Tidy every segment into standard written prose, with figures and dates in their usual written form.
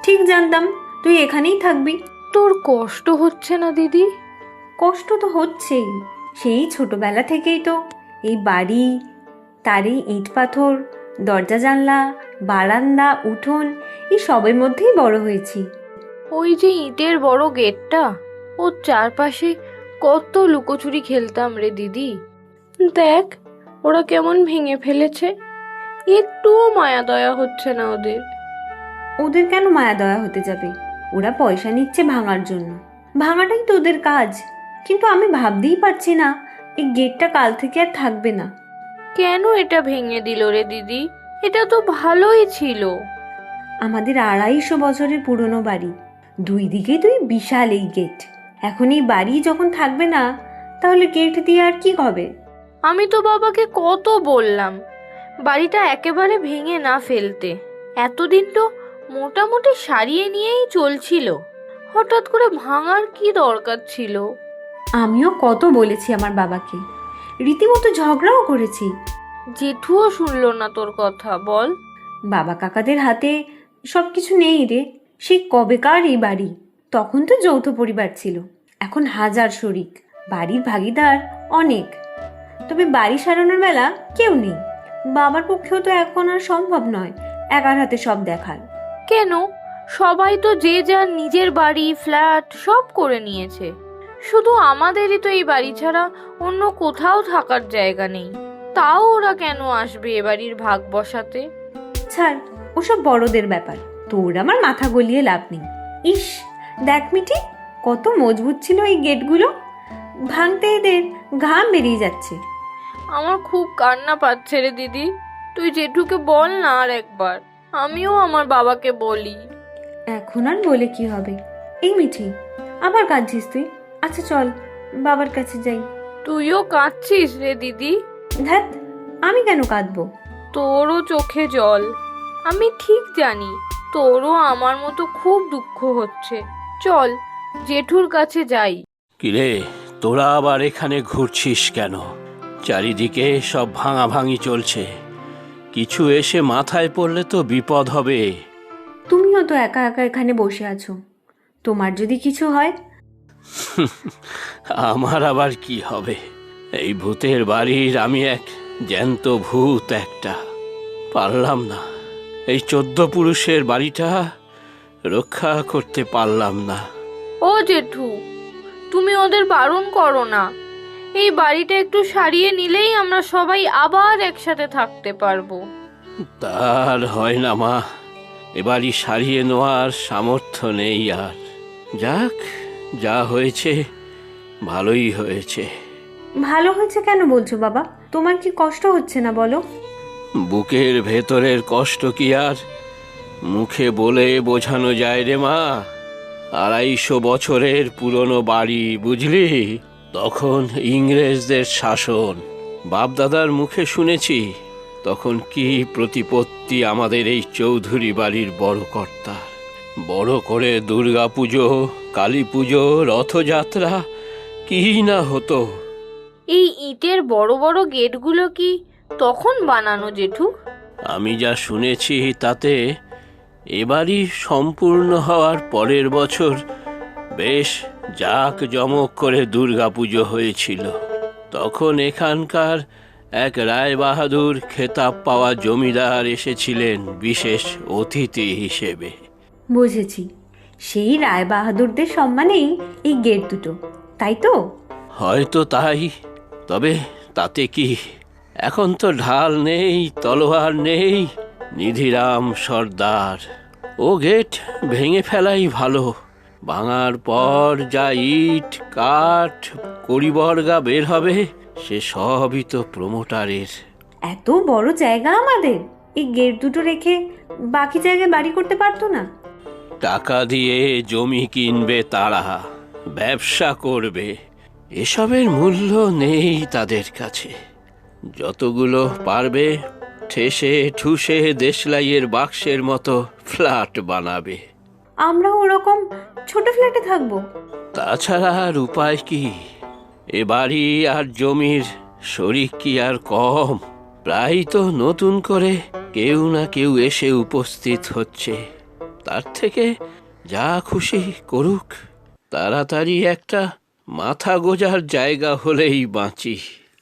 ঠিক জানতাম তুই এখানেই থাকবি। তোর কষ্ট হচ্ছে না দিদি? কষ্ট তো হচ্ছেই, সেই ছোটবেলা থেকেই তো এই বাড়ি, তার এই ইট পাথর, দরজা জানলা, বারান্দা, উঠোন, এই সবের মধ্যেই বড় হয়েছি। ওই যে ইটের বড় গেটটা, ওর চারপাশে কত লুকোচুরি খেলতাম রে দিদি। দেখ ওরা কেমন ভেঙে ফেলেছে, একটুও মায়া দয়া হচ্ছে না ওদের। ওদের কেন মায়া দয়া হতে যাবে? ওরা পয়সা নিচ্ছে ভাঙার জন্য, ভাঙাটাই তো ওদের কাজ। কিন্তু আমি ভাবতেই পারছি না এই গেটটা কাল থেকে আর থাকবে না। কেন এটা ভেঙে দিল রে দিদি? এটা তো ভালোই ছিল। আমাদের 250 বছরের পুরনো বাড়ি, দুই দিকে দুই বিশাল এই গেট। এখন এই বাড়ি যখন থাকবে না, তাহলে গেট দিয়ে আর কি হবে? আমি তো বাবাকে কত বললাম বাড়িটা একেবারে ভেঙে না ফেলতে। এতদিন তো মোটামুটি সারিয়ে নিয়েই চলছিল, হঠাৎ করে ভাঙার কি দরকার ছিল? আমিও কত বলেছি আমার বাবাকে, রীতিমতো ঝগড়াও করেছি। জেঠুও শুনলো না তোর কথা। বল। বাবা কাকাদের হাতে সব কিছু নেই রে। সেই কবেকার এই বাড়ি, তখন তো যৌথ পরিবার ছিল, এখন হাজার শরিক, বাড়ির ভাগিদার অনেক। তবে বাড়ি সারানোর বেলা কেউ নেই। বাবার পক্ষেও তো এখন আর সম্ভব নয় একার হাতে সব দেখার। কেন? সবাই তো যে যার নিজের বাড়ি, ফ্ল্যাট সব করে নিয়েছে। শুধু আমাদেরই তো এই বাড়ি ছাড়া অন্য কোথাও থাকার জায়গা নেই। তাও ওরা কেন আসবে এ বাড়ির ভাগ বসাতে? ছাড়, ওসব বড়দের ব্যাপার, তোর আমার মাথা গলিয়ে লাভ নেই। ইস, দেখ মিঠি, কত মজবুত ছিল এই গেটগুলো, ভাঙতে এদের ঘাম বেরিয়ে যাচ্ছে। আমার খুব কান্না পাচ্ছে রে দিদি। তুই জেঠুকে বল না আর একবার, আমিও আমার বাবাকে বলি। এখন আর বলে কি হবে? এই মিঠি, আবার কাঁদছিস তুই? আচ্ছা চল বাবার কাছে যাই। তুইও কাঁদছিস রে দিদি? ধ্যাত, আমি কেন কাঁদবো? তোরও চোখে জল, আমি ঠিক জানি। তোরও আমার মতো খুব দুঃখ হচ্ছে। চল জেঠুর কাছে যাই। কিরে, তোরা আবার এখানে ঘুরছিস কেন? চারিদিকে সব ভাঙাভাঙি চলছে, কিছু এসে মাথায় পড়লে তো বিপদ হবে। তুমিও তো একা একা এখানে বসে আছো, তোমার যদি কিছু হয়? আমার আবার কি হবে? এই ভূতের বাড়ির আমি এক জ্যান্ত ভূত একটা। পারলাম না, এই 14 পুরুষের বাড়িটা রক্ষা করতে পারলাম না। ও জেঠু, তুমি ওদের বারণ করো না। এই বাড়িটা একটু সারিয়ে নিলেই আমরা সবাই আবার একসাথে থাকতে পারবো। তার হয় না মা, এবারই সারিয়ে নেওয়ার সামর্থ্য নেই আর। যাক, যা হয়েছে ভালোই হয়েছে। ভালো হয়েছে কেন বলছো বাবা? তোমার কি কষ্ট হচ্ছে না বলো? বুকের ভেতরের কষ্ট কি আর মুখে বলে বোঝানো যায় রে মা? 250 বছরের পুরনো বাড়ি, বুঝলি? তখন ইংরেজদের শাসন, বাপদাদার মুখে শুনেছি তখন কি প্রতিপত্তি আমাদের এই চৌধুরী বাড়ির বড় কর্তা। বড় করে দুর্গা পুজো, কালী পুজো, রথযাত্রা কি না হতো। এই ইটের বড় বড় গেটগুলো কি তখন বানানো জেঠু? আমি যা শুনেছি তাতে এবারই সম্পূর্ণ হওয়ার পরের বছর বেশ জাঁকজমক করে দুর্গাপুজো হয়েছিল। তখন এখানকার এক রায় বাহাদুর খেতাব পাওয়া জমিদার এসেছিলেন বিশেষ অতিথি হিসেবে। বুঝেছি, সেই রায় বাহাদুরদের সম্মানেই এই গেট দুটো, তাই তো? হয়তো তাই, তবে তাতে কি? এখন তো ঢাল নেই, তলোয়ার নেই, নিধিরাম সর্দার। ও গেট ভেঙে ফেলাই ভালো। ভাঙার পর যা ইট, কাঠ, কড়িবর্গা বের হবে সে সবই তো প্রমোটারের। এত বড় জায়গা আমাদের, এই গেট দুটো রেখে বাকি জায়গায় বাড়ি করতে পারতো না? টাকা দিয়ে জমি কিনবে তারা, ব্যবসা করবে, এসবের মূল্য নেই তাদের কাছে। যতগুলো পারবে ঠেসে ঠুসে দেশলাইয়ের বাক্সের মতো ফ্ল্যাট বানাবে। আমরাও ওরকম ছোট ফ্ল্যাটে থাকবো। তাছাড়া আর উপায় কি? এ বাড়ি আর জমির শরিক কি আর কম? প্রায় তো নতুন করে কেউ না কেউ এসে উপস্থিত হচ্ছে। তার থেকে যা খুশি করুক, তাড়াতাড়ি একটা মাথা গোজার জায়গা হলেই বাঁচি।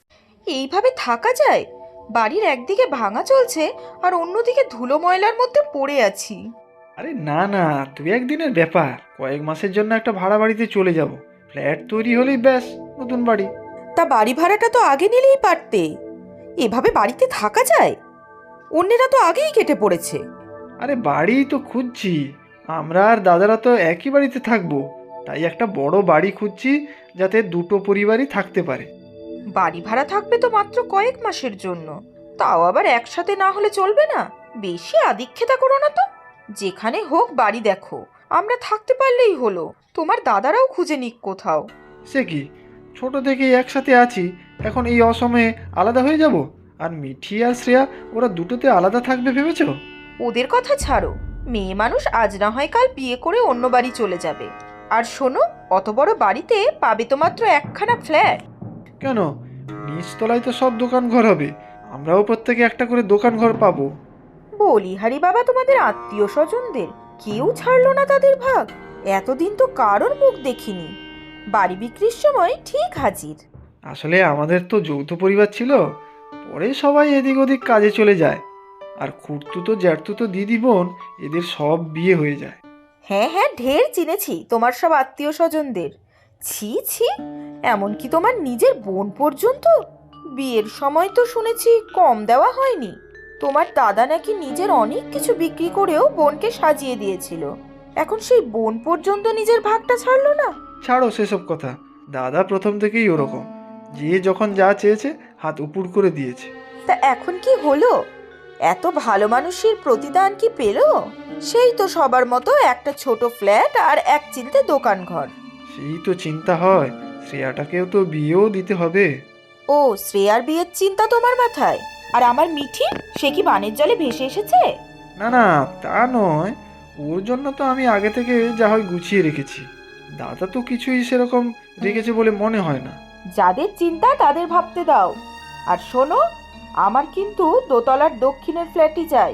এইভাবে থাকা যায়? বাড়ির একদিকে ভাঙা চলছে আর অন্যদিকে ধুলো ময়লার মধ্যে পড়ে আছি। আরে না না, 2-1 দিনের ব্যাপার। কয়েক মাসের জন্য একটা ভাড়া বাড়িতে চলে যাব। ফ্ল্যাট তৈরি হলেই ব্যাস নতুন বাড়ি। তা বাড়ি ভাড়াটা তো আগে নিলেই পারতে। এভাবে বাড়িতে থাকা যায়? অন্যেরা তো আগেই কেটে পড়েছে। আরে বাড়ি তো খুঁজছি, আমরা আর দাদারা তো একই বাড়িতে থাকবো, তাই একটা বড় বাড়ি খুঁজছি যাতে দুটো পরিবারই থাকতে পারে। বাড়ি ভাড়া থাকবে তো মাত্র কয়েক মাসের জন্য, তাও আবার একসাথে না হলে চলবে না। বেশি আদিক্ষেতা করো না তো। যেখানে হোক বাড়ি দেখো, আমরা থাকতে পারলেই হলো। তোমার দাদারাও খুঁজে নিক কোথাও। সে কি, ছোট থেকেই একসাথে আছি, এখন এই অসময়ে আলাদা হয়ে যাব? আর মিঠি আর শ্রেয়া, ওরা দুটোতে আলাদা থাকবে ভেবেছ? ওদের কথা ছাড়ো। মেয়ে মানুষ আজ না হয় কাল বিয়ে করে অন্য বাড়ি চলে যাবে। আর শোনো, অত বড় বাড়িতে পাবে তো মাত্র একখানা ফ্ল্যাট। কেন, নিচতলায় তো সব দোকান ঘর হবে, আমরাও প্রত্যেকে একটা করে দোকান ঘর পাবো। বলিহারি বাবা, তোমাদের আত্মীয় স্বজনদের কেউ ছাড়লো না তাদের ভাগ? এতদিন তো কারোর মুখ দেখিনি। বাড়ি বিক্রির সময় ঠিক হাজির। আসলে আমাদের তো যৌথ পরিবার ছিল, পরে সবাই এদিক ওদিক কাজে চলে যায়, আর খুড়তুতো জ্যাঠতুতো দিদি বোন এদের সব বিয়ে হয়ে যায়। হ্যাঁ হ্যাঁ, ঢের চিনেছি তোমার সব আত্মীয় স্বজনদের। ছি ছি, এমনকি তোমার নিজের বোন পর্যন্ত। বিয়ের সময় তো শুনেছি কম দেওয়া হয়নি। তোমার দাদা নাকি নিজের অনেক কিছু বিক্রি করেও বোনকে সাজিয়ে দিয়েছিল। এখন সেই বোন পর্যন্ত নিজের ভাগটা ছাড়লো না। ছাড়ো সেসব কথা, দাদা প্রথম থেকেই ওরকম, যে যখন যা চেয়েছে হাত উপুড় করে দিয়েছে। তা এখন কি হলো? এত ভালো মানুষের প্রতিদান কি পেল? সেই তো সবার মতো একটা ছোট ফ্ল্যাট আর এক চিলতে দোকান ঘর। সেই তো চিন্তা হয়, শ্রেয়াটাকেও তো বিয়েও দিতে হবে। ও, শ্রেয়ার বিয়ের চিন্তা তোমার মাথায়? আর আমার মিঠি, সে কি বানের জলে ভেসে এসেছে? না না, তা নয়, ওর জন্য তো আমি আগে থেকে যা হয় গুছিয়ে রেখেছি। দাদা তো কিছুই সেরকম রেখেছে বলে মনে হয় না। যাদের চিন্তা তাদের ভাবতে দাও। আর শোনো, আমার কিন্তু দোতলার দক্ষিণের ফ্ল্যাটই চাই।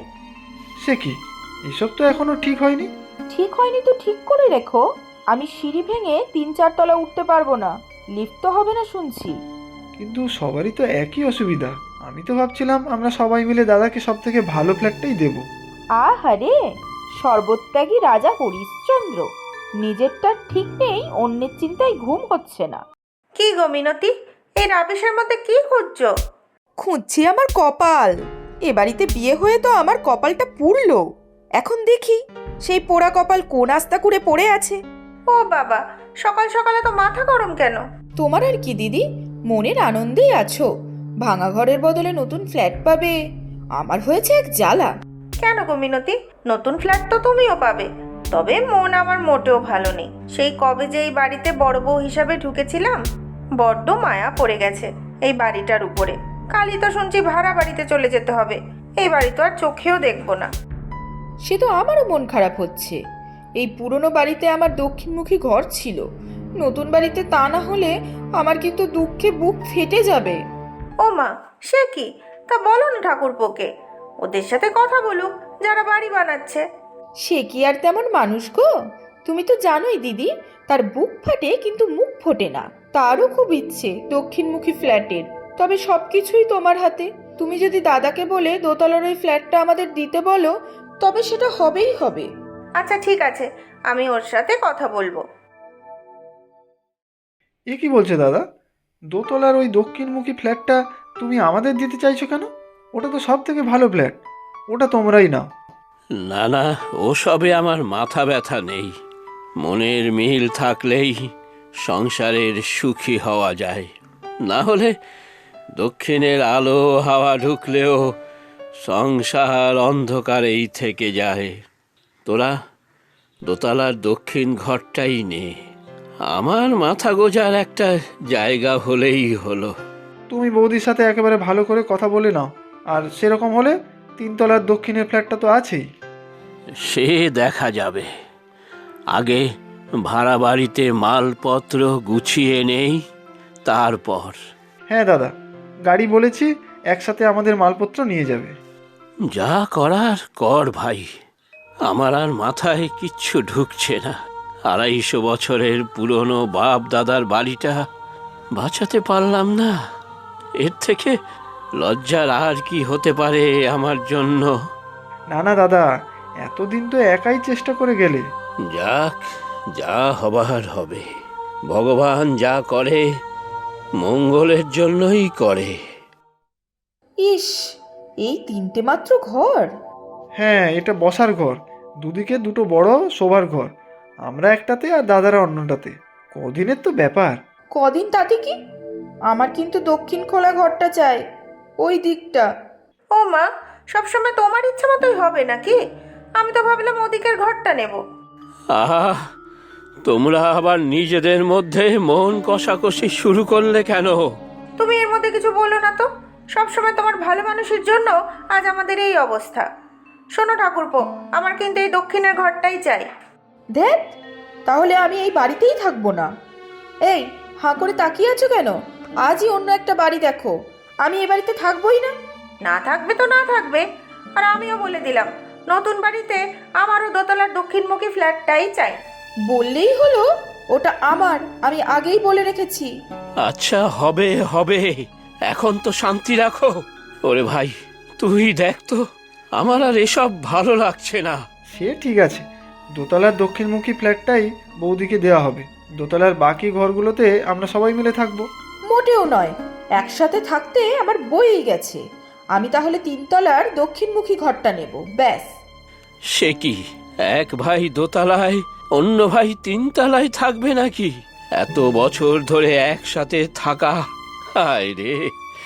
সে কি, এসব তো এখনো ঠিক হয়নি। ঠিক হয়নি তো ঠিক করে রেখো। আমি সিঁড়ি ভেঙে 3-4 তলা উঠতে পারবো না। লিফট তো হবে না শুনছি। কিন্তু সবারই তো একই অসুবিধা। আমি তো ভাবছিলাম আমরা সবাই মিলে দাদাকে সব থেকে ভালো ফ্ল্যাটটাই দেব। আহারে, সর্বত্যাগী রাজা হরিশ্চন্দ্র। নিজেরটা ঠিক নেই, অন্যের চিন্তায় ঘুম হচ্ছে না। কি গো মিনতি, এই রাবিশের মধ্যে কি খুঁজছো? খুঁজছি আমার কপাল। এ বাড়িতে বিয়ে হয়ে তো আমার কপালটা পুড়লো। এখন দেখি সেই পোড়া কপাল কোন আস্তা করে পড়ে আছে। ও বাবা, সকাল সকালে তো মাথা গরম কেন? তোমার আর কি দিদি, মনের আনন্দেই আছো। ভাঙা ঘরের বদলে নতুন ফ্ল্যাট পাবে, আমার হয়েছে এক জ্বালা। কেন গো মিনতি, নতুন ফ্ল্যাট তো তুমিও পাবে। তবে মন আমার মোটেও ভালো নেই। সেই কবে যে এই বাড়িতে বড় বউ হিসাবে ঢুকেছিলাম, বড্ড মায়া পড়ে গেছে এই বাড়িটার উপরে। কালই তো শুনছি ভাড়া বাড়িতে চলে যেতে হবে। এই বাড়ি তো আর চোখেও দেখবো না। সে তো আমারও মন খারাপ হচ্ছে। এই পুরনো বাড়িতে আমার দক্ষিণমুখী ঘর ছিল, নতুন বাড়িতে তা না হলে আমার কিন্তু দুঃখে বুক ফেটে যাবে। ও মা, সে কি? তা বলো না ঠাকুরপোকে, ওদের সাথে কথা বলুক যারা বাড়ি বানাচ্ছে। সে কি আর তেমন মানুষ গো? তুমি তো জানোই দিদি, তার বুক ফাটে কিন্তু মুখ ফোটে না। তারও খুব ইচ্ছে দক্ষিণমুখী ফ্ল্যাটের, তবে সবকিছুই তোমার হাতে। তুমি যদি দাদাকে বলে দোতলার ওই ফ্ল্যাটটা আমাদের দিতে বলো, তবে সেটা হবেই হবে। আচ্ছা ঠিক আছে, আমি ওর সাথে কথা বলবো। এ কি বলছে দাদা, দোতলার ওই দক্ষিণমুখী ফ্ল্যাটটা তুমি আমাদের দিতে চাইছো কেন? ওটা তো সব থেকে ভালো ফ্ল্যাট, ওটা তোমরাই নাও। না না, ওসবে আমার মাথা ব্যথা নেই। মনের মিল থাকলেই সংসারের সুখী হওয়া যায়। না হলে দক্ষিণের আলো হাওয়া ঢুকলেও সংসার অন্ধকারেই থেকে যায়। তোরা দোতলার দক্ষিণ ঘরটাই নে, আমার মাথা গোজার একটা জায়গা হলেই হলো। তুমি বৌদির সাথে একেবারে ভালো করে কথা বলে নাও, আর সেরকম হলে 3 তলার দক্ষিণের ফ্ল্যাটটা তো আছেই। সে দেখা যাবে, আগে ভাড়া বাড়িতে মালপত্র গুছিয়ে নেই, তারপর। হ্যাঁ দাদা, গাড়ি বলেছি, একসাথে আমাদের মালপত্র নিয়ে যাবে। যা করার কর ভাই, আমার আর মাথায় কিচ্ছু ঢুকছে না। 250 বছরের পুরনো বাপ দাদার বাড়িটা বাঁচাতে পারলাম না। এর থেকে লজ্জার আর কি হতে পারে আমার জন্য? না না দাদা, এতদিন তো একাই চেষ্টা করে গেলে। যাক, যা হবার হবে। ভগবান যা করে মঙ্গলের জন্যই করে। ইস, এই 3টে মাত্র ঘর? হ্যাঁ, এটা বসার ঘর, দুদিকে দুটো বড় শোবার ঘর। আমরা একটাতে আর দাদারা অন্যটাতে। কদিনের তো ব্যাপার। কদিন তাতে কি? আমার কিন্তু দক্ষিণ খোলা ঘরটা চাই, ওই দিকটা। ও মা, সবসময় তোমার ইচ্ছা মতোই হবে নাকি? আমি তো ভাবলাম ওদিকের ঘরটা নেব। আহা, তোমরা আবার নিজেদের মধ্যে মন কষাকষি শুরু করলে কেন? তুমি এর মধ্যে কিছু বলো না তো। সবসময় তোমার ভালো মানুষের জন্য আজ আমাদের এই অবস্থা। শোনো ঠাকুরপো, আমার কিন্তু এই দক্ষিণের ঘরটাই চাই। দেখ, তাহলে আমি এই বাড়িতেই থাকবো না। এই, হাঁ করে তাকিয়ে আছো কেন? আজই অন্য একটা বাড়ি দেখো। আমি এই বাড়িতে থাকবোই না। না থাকবে তো না থাকবে। আর আমিও বলে দিলাম, নতুন বাড়িতে আমারও দোতলার দক্ষিণমুখী ফ্ল্যাটটাই চাই। বললেই হলো, ওটা আমার, আমি আগেই বলে রেখেছি। আচ্ছা, হবে হবে, এখন তো শান্তি রাখো। ওরে ভাই, তুই দেখ তো, আমার আর এসব ভালো লাগছে না। সে ঠিক আছে, দোতলার দক্ষিণমুখী ফ্ল্যাটটাই বৌদিকে দেওয়া হবে। দোতলার বাকি ঘরগুলোতে আমরা সবাই মিলে থাকবো। মোটেও নয়, একসাথে থাকতে আমার বইই গেছে। আমি তাহলে 3তলার দক্ষিণমুখী ঘরটা নেব, ব্যাস। সে কি, এক ভাই দোতলায়, অন্য ভাই 3তলায় থাকবে নাকি? এত বছর ধরে একসাথে থাকা, হায় রে,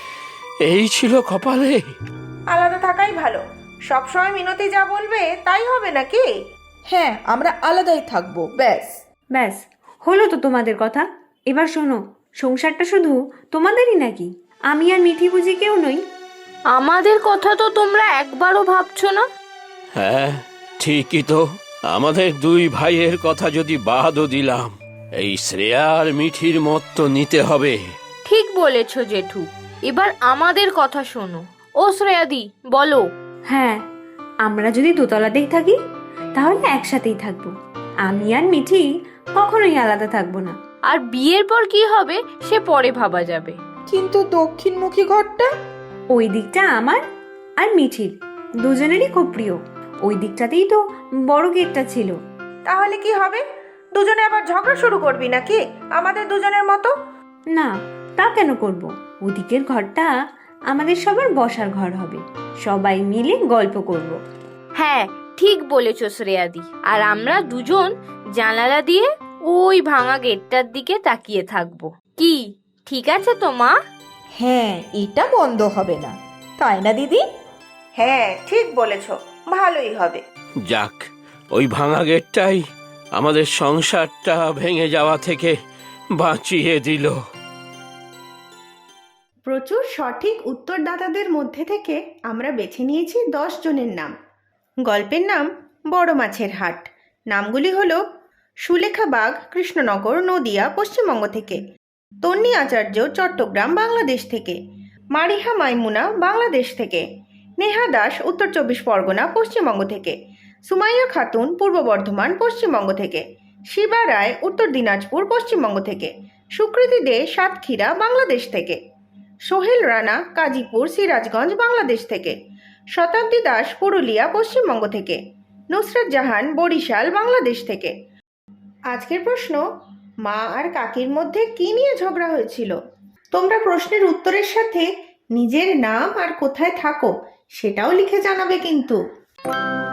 এই ছিল কপালে। আলাদা থাকাই ভালো। সবসময় মিনতি যা বলবে তাই হবে নাকি? হ্যাঁ, আমরা আলাদাই থাকবো, ব্যাস। ব্যাস, হলো তো তোমাদের কথা। এবার শোনো, সংসারটা শুধু তোমাদেরই নাকি? আমি আর মিঠি বুঝি কেউ নই? আমাদের কথা তো তোমরা একবারও ভাবছো না। হ্যাঁ, ঠিকই তো। আমাদের 2 ভাইয়ের কথা যদি বাদও দিলাম, এই শ্রেয়া আর মিঠির মত তো নিতে হবে। ঠিক বলেছো জেঠু, এবার আমাদের কথা শোনো। ও শ্রেয়াদি, বলো। হ্যাঁ, আমরা যদি দোতলাতেই থাকি তাহলে একসাথেই থাকবো। আমি আর মিঠি কখনোই আলাদা থাকবো না। আর বিয়ের পর কি হবে সে পরে ভাবা যাবে। কিন্তু দক্ষিণমুখী ঘরটা? ওই দিকটা আমার আর মিঠির দুজনেরই খুব প্রিয়। ওই দিকটাতেই তো বড় গেটটা ছিল। তাহলে কি হবে? দুজনে আবার ঝগড়া শুরু করবি নাকি আমাদের দুজনের মতো? না, তা কেন করব? ওদিকের ঘরটা আমাদের সবার বসার ঘর হবে, সবাই মিলে গল্প করব। হ্যাঁ, ঠিক বলেছো শ্রেয়াদি। আর আমরা দুজন জানালা দিয়ে ওই ভাঙা গেটটার দিকে তাকিয়ে থাকবো। কি ঠিক আছে তো মা? হ্যাঁ, এটা বন্ধ হবে না, তাই না দিদি? হ্যাঁ, ঠিক বলেছ, ভালোই হবে। যাক, ওই ভাঙা গেটটাই আমাদের সংসারটা ভেঙে যাওয়া থেকে বাঁচিয়ে দিল। প্রচুর সঠিক উত্তরদাতাদের মধ্যে থেকে আমরা বেছে নিয়েছি 10 জনের নাম। গল্পের নাম বড় মাছের হাট। নামগুলি হলো সুলেখা বাগ, কৃষ্ণনগর, নদিয়া, পশ্চিমবঙ্গ থেকে; তন্নি আচার্য, চট্টগ্রাম, বাংলাদেশ থেকে; মারিহা মাইমুনা, বাংলাদেশ থেকে; নেহা দাস, উত্তর 24 পরগনা, পশ্চিমবঙ্গ থেকে; সুমাইয়া খাতুন, পূর্ব বর্ধমান, পশ্চিমবঙ্গ থেকে; শিবা রায়, উত্তর দিনাজপুর, পশ্চিমবঙ্গ থেকে; সুকৃতি দে, সাতক্ষীরা, বাংলাদেশ থেকে; সোহেল রানা, কাজীপুর, সিরাজগঞ্জ, বাংলাদেশ থেকে; শতাব্দী দাস, পুরুলিয়া, পশ্চিমবঙ্গ থেকে; নুসরাত জাহান, বরিশাল, বাংলাদেশ থেকে। আজকের প্রশ্ন, মা আর কাকির মধ্যে কি নিয়ে ঝগড়া হয়েছিল? তোমরা প্রশ্নের উত্তরের সাথে নিজের নাম আর কোথায় থাকো সেটাও লিখে জানাবে কিন্তু।